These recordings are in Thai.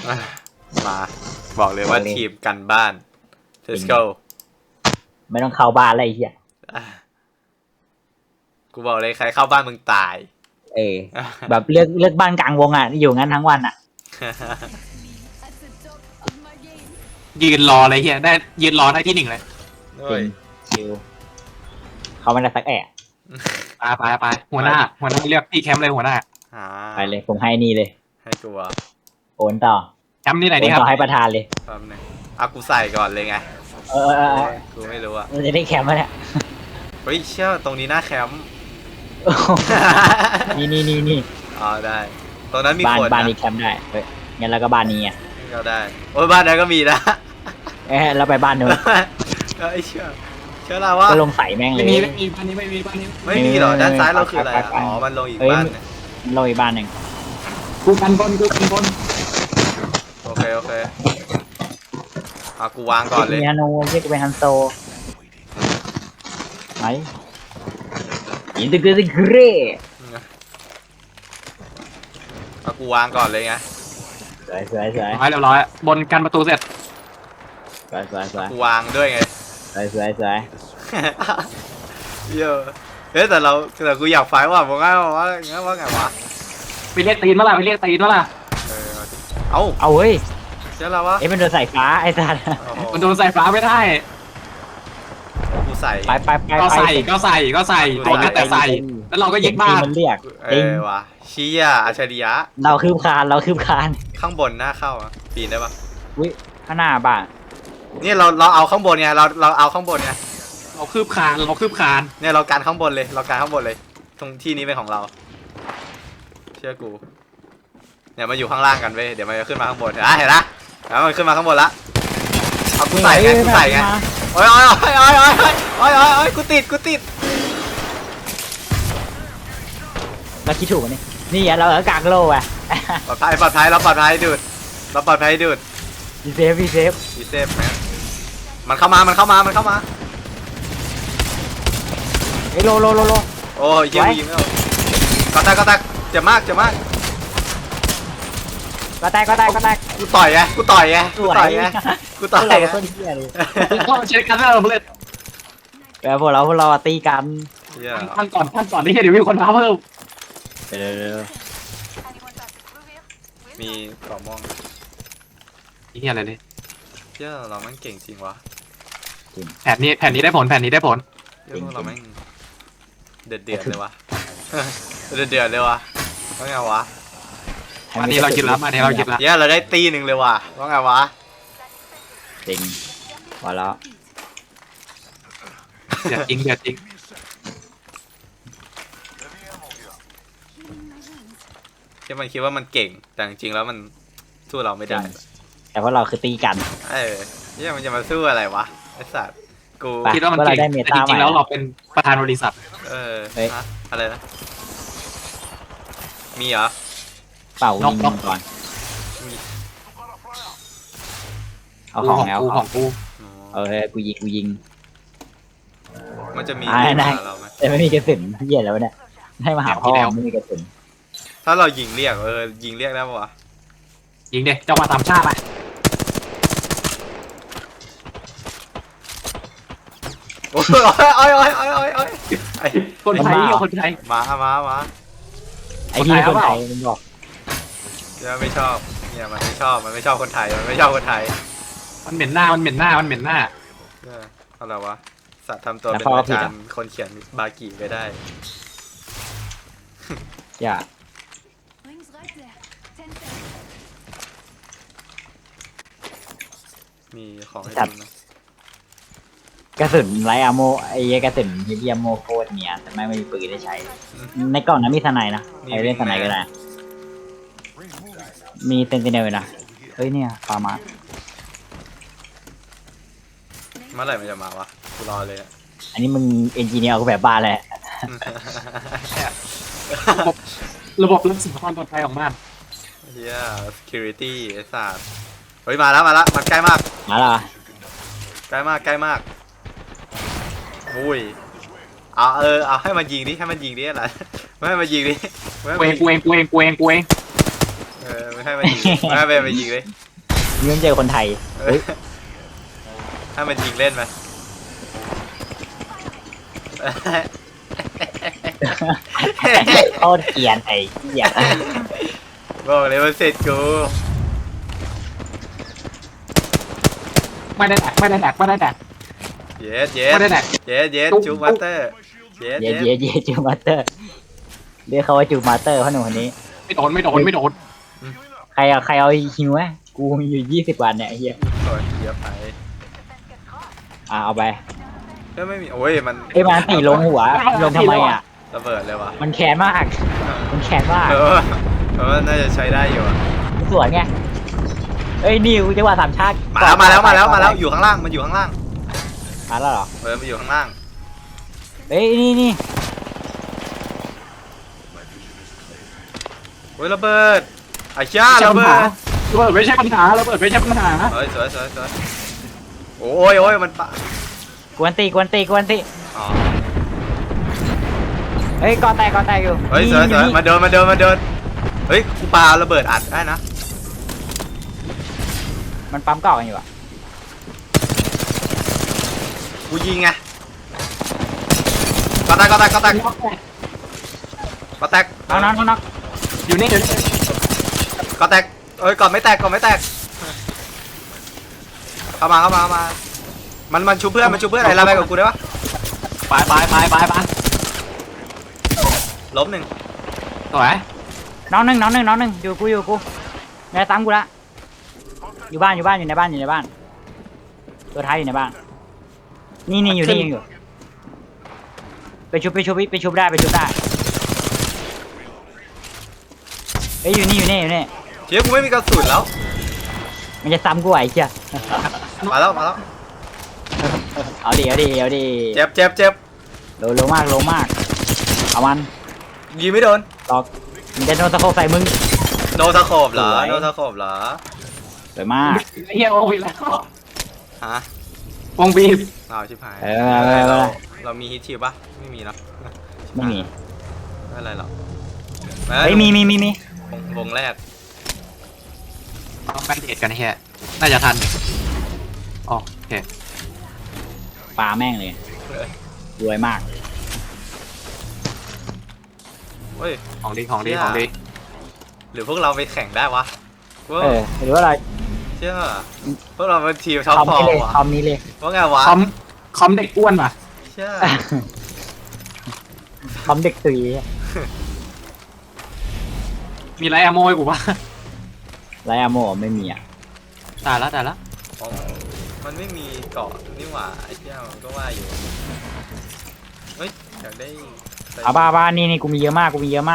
มาบอกเลยว่าทีมกันบ้าน let's go ไม่ต้องเข้าบ้านอะไรเหี้ยกูบอกเลยใครเข้าบ้านมึงตายแบบเลือกบ้านกลางวงอ่ะอยู่งั้นทั้งวันอ่ะยืนรอเลยเฮียได้ยืนรอได้ที่หนึ่งเลยจริงชิวเขาไม่ได้สักแอะไปหัวหน้าเรียกพี่แคมป์เลยหัวหน้าไปเลยผมให้นี่เลยให้กูอ่ะโอนต่อแคมป์นี่ไหนโอดีนครับต่อให้ประธานเลยแป๊บนึงเอากูใส่ก่อนเลยไง กูไม่รู้อ่ะมันจะได้แคมป์มาเนี่ยเฮ้ยเชื่อตรงนี้หน้าแคมป์นี่อ๋อได้ตรงนั้นมีบ้านคนบ้านนะนี้แคมป์ได้เฮ้ยงั้นแล้วก็บ้านนี้อ่ะก็ได้โอ้ยบ้านนั้นก็มีนะแล้วไปบ้านนู้นไอ้เชื่อเราว่าก็ลงใส่แม่งเลไม่ยมีบ้านนี้ไม่มีบ้านนี้ไม่มีหรอด้านซ้ายเราคืออะไรไปอ๋อมันลงอีกเอ้ยบ้านหนึงลงอีกบ้านหนึ่งกูกันบนโอเคเอากูวางก่อนเลยมีฮันโนเรียกเป็นฮันโซไหนอินเตอร์เกรสเกรเอากูวางก่อนเลยไงสวยเรียบร้อยบนกันประตูเสร็จกูวางด้วยไงสวยเยอะแต่กูอยากไฟว่ะบอกง่ายว่างั้นว่าไงวะไปเรียกตีนมาล่ะเอาเอาเว้ยเชื่อเราวะมันโดนสายฟ้าไอ้สัตว์มันโดนสายฟ้าไม่ได้กูใส่ไปก็ใส่แต่ใส่แล้วเราก็ยึดบ้านมันเรียกจริงวะเชี่ยอัจฉริยะเราคืบคานข้างบนหน้าเข้าอ่ะปีนได้ปะอุ้ยข้างหน้าบ้านเนี่ยเราเอาข้างบนไงเราเอาข้างบนไงเราคืบคานเนี่ยเราการข้างบนเลยตรงที่นี้เป็นของเรา เชื่อกูเนี่ยมาอยู่ข้างล่างกันเว้ยเดี๋ยวมันจะขึ้นมาข้างบนเห็นนะแล้วมันขึ้นมาข้างบนละเอากูใส่ไงโอ้ยกูติดเราคิดถูกนี่เรากลางโลอ่ะปลอดภัยเราปลอดภัยดูดพีเซฟดีเซฟมันเข้ามาเฮ้ยโลโอ้ยยิงไม่เอาก็แตกเจ็บมากก็แตกกูต่อยไงสวยเราต้นเหี้ยเลยก็เช็คกันแล้วเพื่อนแล้วพวกเราตีกันท่านก่อนที่เดี๋ยวมีคนมาเพิ่มเร็วมีกล่องม่วงนี่อะไรเนี่ยเชื่อเราแม่งเก่งจริงวะแผ่นนี้ได้ผลเชื่อพวกเราแม่งเดือดเลยวะเดือดเลยวะว่าไงวะอันนี้เราคิดแล้วเนี่ยเราได้ตีหนึ่งเลยว่ะว่าไงวะจริงพอแล้วเดือดจริงที่มันคิดว่ามันเก่งแต่จริงๆแล้วมันสู้เราไม่ได้แต่พวกเราคือตีกันเนี่ยมันจะมาสู้อะไรวะไอ้สัตว์กูคิดว่ามันเก่งแต่จริงๆแล้วเราเป็นประธานบริษัทอะไรนะมีเหรอเป่ายิงก่อนเอาของแล้วของกูกูยิงมันจะมีได้เราไหมแต่ไม่มีกระสุนเหี้ยแล้วเนี่ยให้มาหาพ่อไม่มีกระสุนถ้าเรายิงเรียกยิงเรียกได้ปะวะยิงเด็กเจ้ามาตามชาติไปโอ้ยคนไทยมาไอ้ที่คนไทยมันบอกเนี่ยไม่ชอบเนี่ยมันไม่ชอบคนไทยมันเหม็นหน้าอะไรวะสัตว์ทำตัวเป็นอาจารย์คนเขียนบากิไปได้อย่ามีของให้ดูนะกระสุนไรอะโมไอ้กระสุนฮิเดียมโมโคตรเนี่ยแต่ไม่มีปืนได้ใช้ในกล่องนั้นมีสไนนะใครเล่นสไนก็ได้มีเซนติเนลนะเฮ้ยเนี่ยฟาร์มาเมื่อไหร่มันจะมาวะกูรอเลยอันนี้มึงเอนจิเนียร์ก็แบบบ้านแหละระบบรักษาความปลอดภัยของบ้านเฮีย security ไอ้สัตว์เฮ้ยมาแล้วมันใกล้มากมาละใกล้มากอุ้ยเอาให้มันยิงดิอะไรไม่ให้มันยิงดิกูเองไม่ให้มันยิงไม่ให้ไปยิงเลยเงื่อนเจอคนไทยเออให้มันยิงเล่นไหมโคตรเกลียนไอ้เหี้ยบอกเลยว่าเสร็จกูไม่ได้แดกไม่ได้แดกไม่ได้แดกเย็ดเย็ดไม่ได้แดกเย็ดเย็ดจุ๊บจูบัตเตอร์เย็ดเย่เย็ดเย่เย่จูมาสเตอร์เรียกเขาว่าจูมาสเตอร์พ่อหนุ่มคนนี้ไม่โดนไม่โดนไม่โดนใครเอาฮิวไหมกูมีอยู่20 วันเนี่ยไอ้เหี้ยโอ้ยเยอะไปเอาไปก็ไม่มีโอ้ยมันไอ้มันตีลงหัวลงทำไมอ่ะระเบิดเลยวะมันแค้นมากมันแค้นมากเพราะว่าน่าจะใช้ได้อยู่อะสวนไงเอ้ยนี่จังหวะสามชาติมาแล้วอยู่ข้างล่างมันอยู่ข้างล่างมาแล้วเหรอมันอยู่ข้างล่างเอ้ยนี่โอ้ยระเบิดไอ้ช่าระเบิดระเบิดไม่ใช่ปัญหาระเบิดไม่ใช่ปัญหาเฮ้ยสวยโอ้ยมันปะกวนตีอ๋อเฮ้ยกอแตกอยู่เฮ้ยสวยมาโดนเฮ้ยกูปาระเบิดอัดได้นะมันปั๊มเก่ากันอยู่อ่ะกูยิงไงก็แตกน็อกอยู่นี่ก็แตกเอ้ยก่อนไม่แตกเข้ามามันชูเพื่อนอะไรไปกับกูได้ปะไปล้มหนึ่งสวยน้องหนึ่งอยู่กูนายตามกูละอยู่ในบ้านตัวท้ายอยู่ในบ้านนี่อยู่ไปชุบได้เอ้ยอยู่นี่เชี่ยกูไม่มีกระสุนแล้วมันจะซ้ำกูไอ้เหี้ยมาแล้วเอาดิเจ็บโลมากเอามันยิงไม่โดนตอกมันจะโดนตะโขบใส่มึงโนตะโขบเหรอสวยโนตะโขบเหรอสวยมากเฮียวงบีแล้วฮะวงบีอ้าวชิบหายเออเรามีฮิตชิวปะไม่มีเนาะไม่มีไม่อะไรหรอกเฮ้ยมีวงแรกเอาแบนเดดกันเฮียน่าจะทันโอเคปลาแม่งเลยรวยมากเฮ้ยของดีหรือพวกเราไปแข่งได้วะว่าหรือว่าอะไรเชื่อพวกเราเป็นทีมท็อปคอมฟอนี้ร์เลยมวะคอมนี้เลยว่าไงวะคอมเด็กอ้วนป่ะเชื่อคอมเด็กตีมีไรอะโมยกูป่ะไรอะโมไม่มีอ่ะตายแล้วอ๋อมันไม่มีเกาะนี่หว่าไอ้เจ้ามันก็ว่าอยู่เฮ้ยอยากได้เอาบ้านี่กูมีเยอะมากมา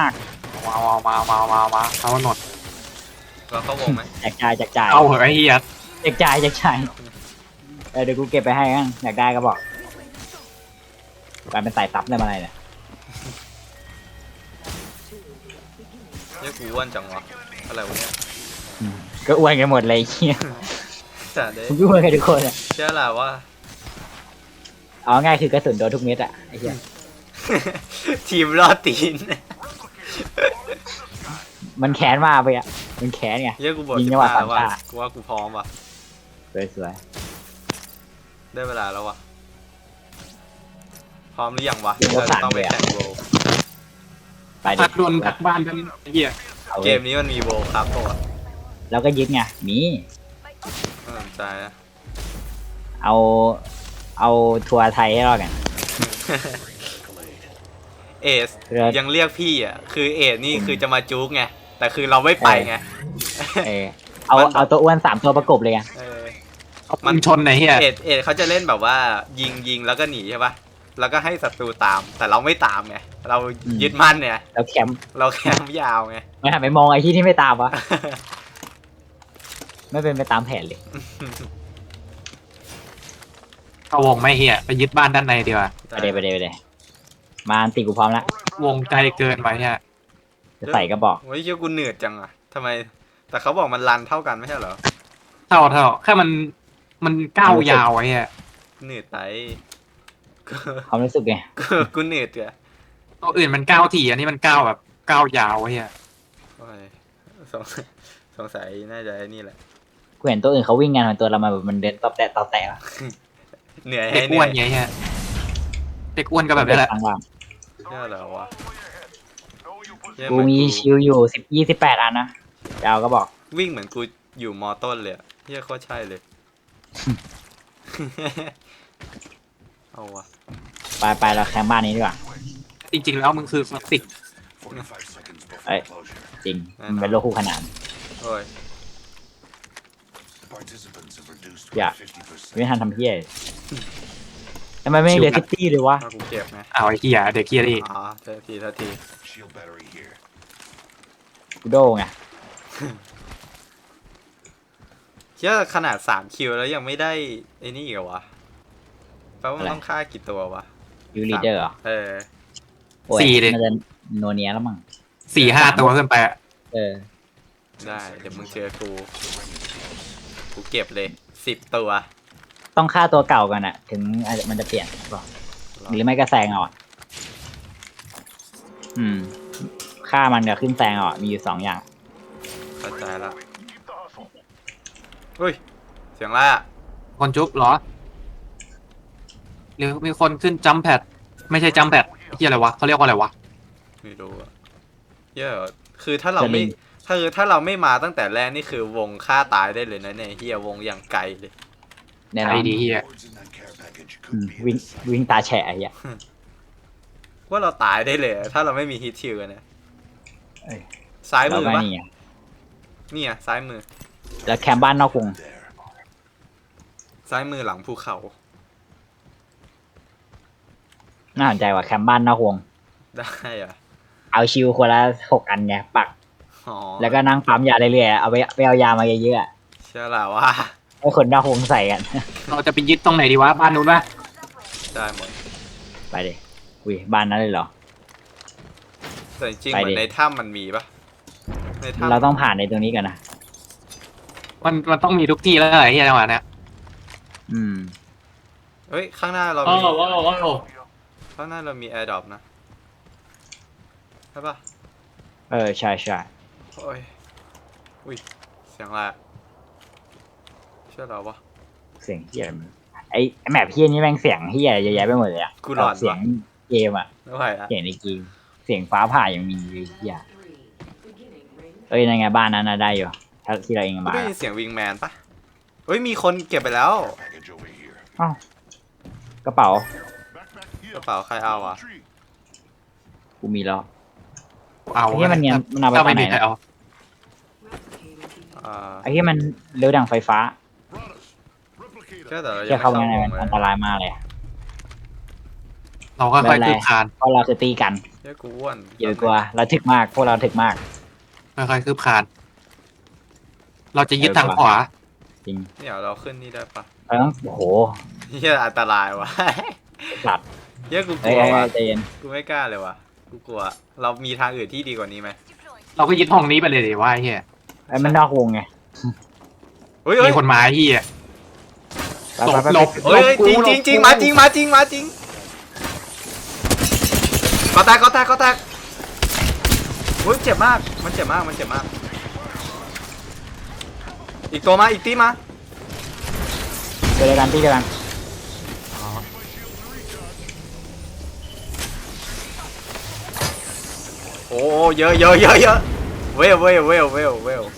เอาหนดเราเข้าวงไหมแจกจ่ายเอาเหอะไอ้เฮียแจกจ่ายเดี๋ยวกูเก็บไปให้กันอยากได้ก็บอกกลายเป็นสายซับได้มาอะไรเนี่ยเนี่ยกูอ้วนจังวะอะไรวะเนี่ยก็อ้วนกันหมดเลยเฮียแต่เด้กูอ้วนกันทุกคนอ่ะเชื่อแหละว่าเอาง่ายคือกระสุนโดนทุกเม็ดอ่ะไอ้เหี้ยทีมรอดตีนมันแขนมาไปอ่ะมันแขนไงเยอะกูบอกยิงจังหวะ 15ว่ะสามชาติกูว่ากูพร้อมว่ะสวยได้เวลาแล้วว่ะพร้อมหรือยังวะเดี๋ยวก็สั่งต้องไปเลยอะแข่งโบว์ไปดิพักโดนพักบ้านกันไอ้เฮียเอาเกมนี้มันมีโบว์ครับตัวแล้วก็ยึดไงมีน่าสนใจนะเอาทัวร์ไทยให้รอดกันเอสเรือยังเรียกพี่อ่ะคือเอสนี่คือจะมาจุกไงแต่คือเราไม่ไปไงเออเอาตัวอ้วน3ตัวประกบเลยไงเออมันชนไอ้เฮียเอสเขาจะเล่นแบบว่ายิงแล้วก็หนีใช่ปะแล้วก็ให้ศัตรูตาม แต่เราไม่ตามไงเรายึดมั่นเนี่ยแล้วแคมป์เราแคมป์ยาวไงไม่หันไปมองไอ้ที่ไม่ตามวะไม่เป็นไปตามแผนเลยเข้าวงไม่เฮียไปยึดบ้านด้านในดีกว่าไปเลยมาอันติกูพร้อมแล้ววงไกลเกินไปเฮียจะใส่ก็บอกโอ้ยเชี่ยกูเหนื่อยจังอ่ะทำไม แต่เขาบอกมันรันเท่ากันไม่ใช่เหรอเท่าแค่มันก้าวยาวไอ้เฮียเหนื่อยไปความรู้สึกไงกูเหนื่อยเถอะตัวอื่นมันก้าวถี่อันนี้มันก้าวแบบก้าวยาวไอ้เฮียโอ้ยสงสงสัยน่าจะไอ้นี่แหละกูเห็นตัวอื่นเขาวิ่งงานเหมือนตัวเรามาแบบมันเดินตอบแตะตอบแตะอะเหนื่อยเด็ให้กเหอ้นื่วอน ยไงฮะเด็กอ้วนก็แบบนี้แหละทางว่างเชื่อเหรอวะเหี้ยกูเหอนมีชิวอยู่28 อันนะจะเอาก็บอกวิ่งเหมือนกูอยู่มอต้นเลยอะเฮียโคตรใช่เลย เอาวะไปเราแคมป์บ้านนี้ดีกว่าจริงๆแล้วมึงคือคลาสสิกเอ้ยจริงมันเป็นโลกคู่ขนานโอ้ยอย่า ไม่ทันทำเพี้ยทำไมไม่เหลือซิตี้เลยวะมากูเก็บไงเอาไอ้เหี้ยเด็กเหี้ยนี่อ๋อเท่าทีกูโดไงเชื่อขนาด3คิวแล้วยังไม่ได้ไอ้นี่อีกเหรอวะแปลว่ามันต้องฆ่ากี่ตัววะยูรีเดอร์เหรอเออโอ้ยมันจะโนเนียแล้วมั้ง 4-5 ตัวขึ้นไปอะเออได้เดี๋ยวมึงเจอกูเก็บเลย10 ตัวต้องฆ่าตัวเก่ากันอะถึงมันจะเปลี่ยนบอกหรือไม่ก็แซงเอาอะฆ่ามันกับขึ้นแซงเอาอะมีอยู่2 อย่างเข้าใจละเฮ้ยเสียงอะไรอะคนจุ๊บเหรอหรือมีคนขึ้นจัมแพดไม่ใช่จัมแพดเหี้ยอะไรวะเขาเรียกว่าอะไรวะไม่รู้อะเยอะคือถ้าเราไม่ถ้าเราไม่มาตั้งแต่แรกนี่คือวงฆ่าตายได้เลยนะเนี่ยเฮียวงอย่างไกลเลยแน่นอไอ้นดีเหี้ยวิ่งตาแฉะไอ้เหี้ยว่าเราตายได้เลยถ้าเราไม่มีฮิตชิลกันเนี่ยเอ้ยซ้ายเรามือไม่ปะนี่ไงนี่อ่ะซ้ายมือแล้วแคมป์บ้านนอกวงซ้ายมือหลังภูเขาน่าสนใจว่ะแคมป์บ้านนอกวงได้อ่ะเอาชิวคนละ6 อันไงปักอ๋อแล้วก็นั่งปั๊มยาเรื่อยๆเอาไปเอายามาเยอะๆอะเชื่อละว่าให้คนนอกวงใส่กันเราจะไปยึดตรงไหนดีวะบ้านนู้นปะได้หมดไปดิอุ้ยบ้านนั้นเลยเหรอแต่จริงๆไปเหมืดิอนในถ้ำมันมีปะในถ้ำเราต้องผ่านในตรงนี้กันนะมันต้องมีทุกที่แล้วไอ้เหี้ยจังหวะเนี้ยอืมเฮ้ยข้างหน้าเราโอ้มีโหโอ้โหข้างหน้าเรามีแอร์ดรอปนะใช่ปะเออใช่ใช่โอ้ยอุ้ยเสียงอะไรอะเชื่อเราปะเสียงเฮียอะไรมันไอ้แมปเฮียนี่แม่งเสียงเฮียเยอะแยะไปหมดเลยอะกูหลอนว่ะเสียงเกมอะไม่ไหวละเสียงในเกมเสียงฟ้าผ่ายังมีเลยเฮียเอ้ยนั่นไงบ้านนั้นน่ะได้อยู่ถ้าที่เราเองกูมาได้ยินเสียงวิงแมนปะเฮ้ยมีคนเก็บไปแล้วอ้าวกระเป๋ากระเป๋าใครเอาอ่ะกูมีแล้วเอาไอ้เฮียมันเนี่ยมันเอาไปถ้าไปไม่ไหนมีใครนะเอาไอ้เฮียมันเร็วดังไฟฟ้าเชื่อแต่เราเฮียเข้าไปไม่ข้างในวมันงเลยอันตรายมากเลยอะเราค่อยๆคืบคลานเพราะเราคือตีกันเชื่อกูอ้วนอย่าไปกลัวเราถึกมากพวกเราถึกมากค่อยๆคืบคลานเราจะยึดทางขวาจริงเดี๋ยวเราขึ้นนี่ได้ปะเราต้องโอ้โหเฮียอันตรายวะสัตว์เฮียกูกเอ้ลัยวว่ะใจเย็นกูไม่กล้าเลยว่ะกูกลัวเรามีทางอื่นที่ดีกว่านี้ไหมเราก็ยึดห้องนี้ไปเลยดิว่าไอ้เหี้ยไอ้มันนอกวงไงเฮ้ยเฮ้มียคนมาไอ้เหี้ยไปไปไปหลบเฮ้ยจริงจริงจริงมาจริงมาจริงมาจริงก็แตกเฮ้ยเจ็บมากมันเจ็บมากอีกตัวมาอีกตีมาเจอกันที่เดียวกันโอ้เยอะเวล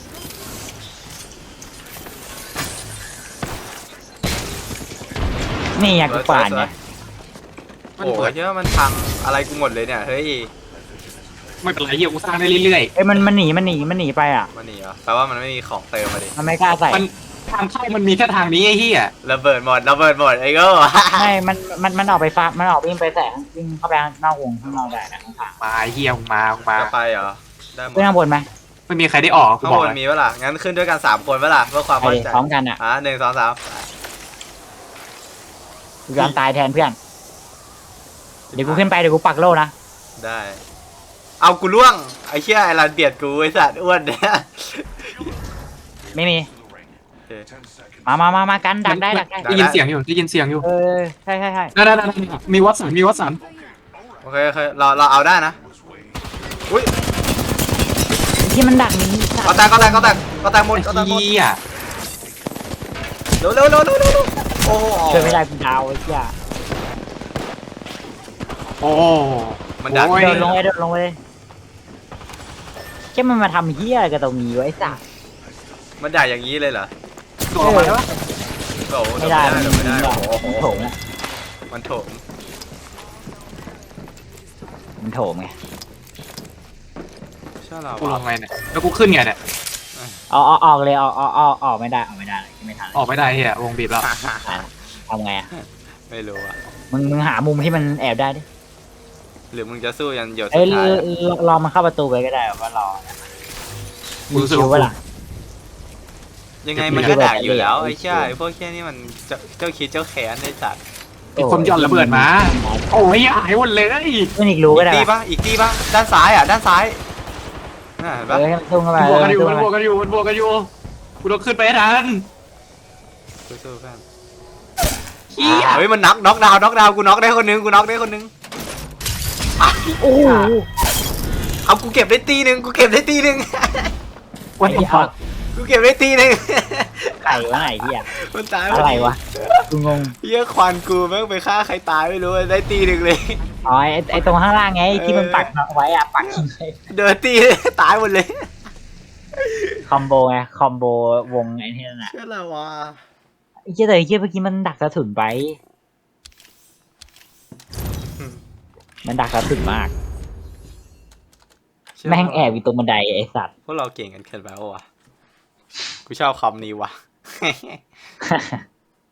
นี่ไงกูป่านไงโอ้ยเยอะมันพังอะไรกูหมดเลยเนี่ยเฮ้ยไม่เป็นไรเหี้ยกูสร้างได้เรื่อยเอ้ยมันหนีไปอ่ะมันหนีเหรอแปลว่ามันไม่มีของเติมมาดิมันไม่กล้าใส่ๆมันทางเข้ามันมีแค่ทางนี้ไอ้เหี้ยระเบิดหมดไอ้โก็ไม่มันออกไปฟ้ามันออกวิ่งไปแสงวิ่งเข้าไปนอกวงข้างนอกได้นะข้างมาไอ้เหี้ยมึงมาจะไปเหรอได้หมๆดขึ้นข้างบนไหมไม่มีใครได้ออกกูข้างบอกบนเลยมีเวล่ะงั้นขึ้นด้วยกัน3 คนเวล่ะเพื่อความไปมั่นดิใจพร้อมกันอ่ะ 1 2 3 กูยอมตายแทนเพื่อนเดี๋ยวกูขึ้นไปเดี๋ยวกูปักโล่นะได้ เอากูล่วงไอ้เชี่ยไอ้รันเบียดกูไอ้สัตว์อ้วนเนี่ยไม่มีโอเคมากันดักได้ได้ยินเสียงอยู่เออใช่ได้มีวัดสันโอเคเราเอาได้นะอุ้ยเฮีที่มันดักนี้ก็แตกหมดก็แตกหมดเฮียเร็วโอ้โหช่วยไม่ได้กูดาวไอ้เหี้ยโอ้มันดักโอ้ยเดินลงไปเลยแค่มันมาทำเหี้ยอะไรกับตรงนี้วะไอ้สัสมันด่าอย่างนี้เลยเหรอโดดมาแล้วโอ้โหไม่ได้ไม่ได้มันโอ้โหโถมอะมันโถมมันโถมไงเชื่อเรากูลงไงเนี่ยแล้วกูขึ้นไงเนี่ยเอาออกเลยออกไม่ได้ไม่ทันออกไม่ได้เฮียวงบีบแล้วทำไงอะไม่รู้อะมึงหามุมที่มันแอบได้ดิหรือมึงจะสู้ยันหยดเอ้สุยดท้ายอะรอมันเข้าประตูไปก็ได้ว่ารอกูรู้สึกคิวว่าเวลายังไงมันก็ด่าอยู่แล้วไอ้เชี่ยไอ้พวกเชี่ยนี่มันเจ้าคิดเจ้าแค้นไอ้สัตว์มีคนหย่อนระเบิดมา โอ้ยหายหมดเลยมันอีกรู้ก็ได้อีกตีปะด้านซ้ายอ่ะด้านซ้ายน่าเห็นปะให้มันทุ่งเข้าไปบวกกันอยู่มันบวกกันอยู่กูต้องขึ้นไปให้ทันสู้ๆเพื่อนเฮียเฮ้ยมันน็อกดาวน์กูน็อกได้คนนึงโอ้โหเอากูเก็บได้ตีหนึ่งวันนี้กูเก็บได้ตีหนึ่งไก่วะไหนเหี้ยมันตายอะไรวะกูงงเหี้ยควันกูแม่งไปฆ่าใครตายไม่รู้ได้ตีหนึ่งเลยอ๋อไอตรงข้างล่างไงที่มันปักไว้อะปักทิ้งไว้เดินตีตายหมดเลยคอมโบไงคอมโบวงไอ้นี่นั่นน่ะเชื่ออะไรวะไอ้เหี้ยแต่ไอ้เหี้ยเมื่อกี้มันดักกระสุนไป มันดักกระสุนมาก แม่งแอบอยู่ตรงบันไดไอ้สัตว์พวกเราเก่งกันเกินไปวะกูชอบคำนี้ว่ะ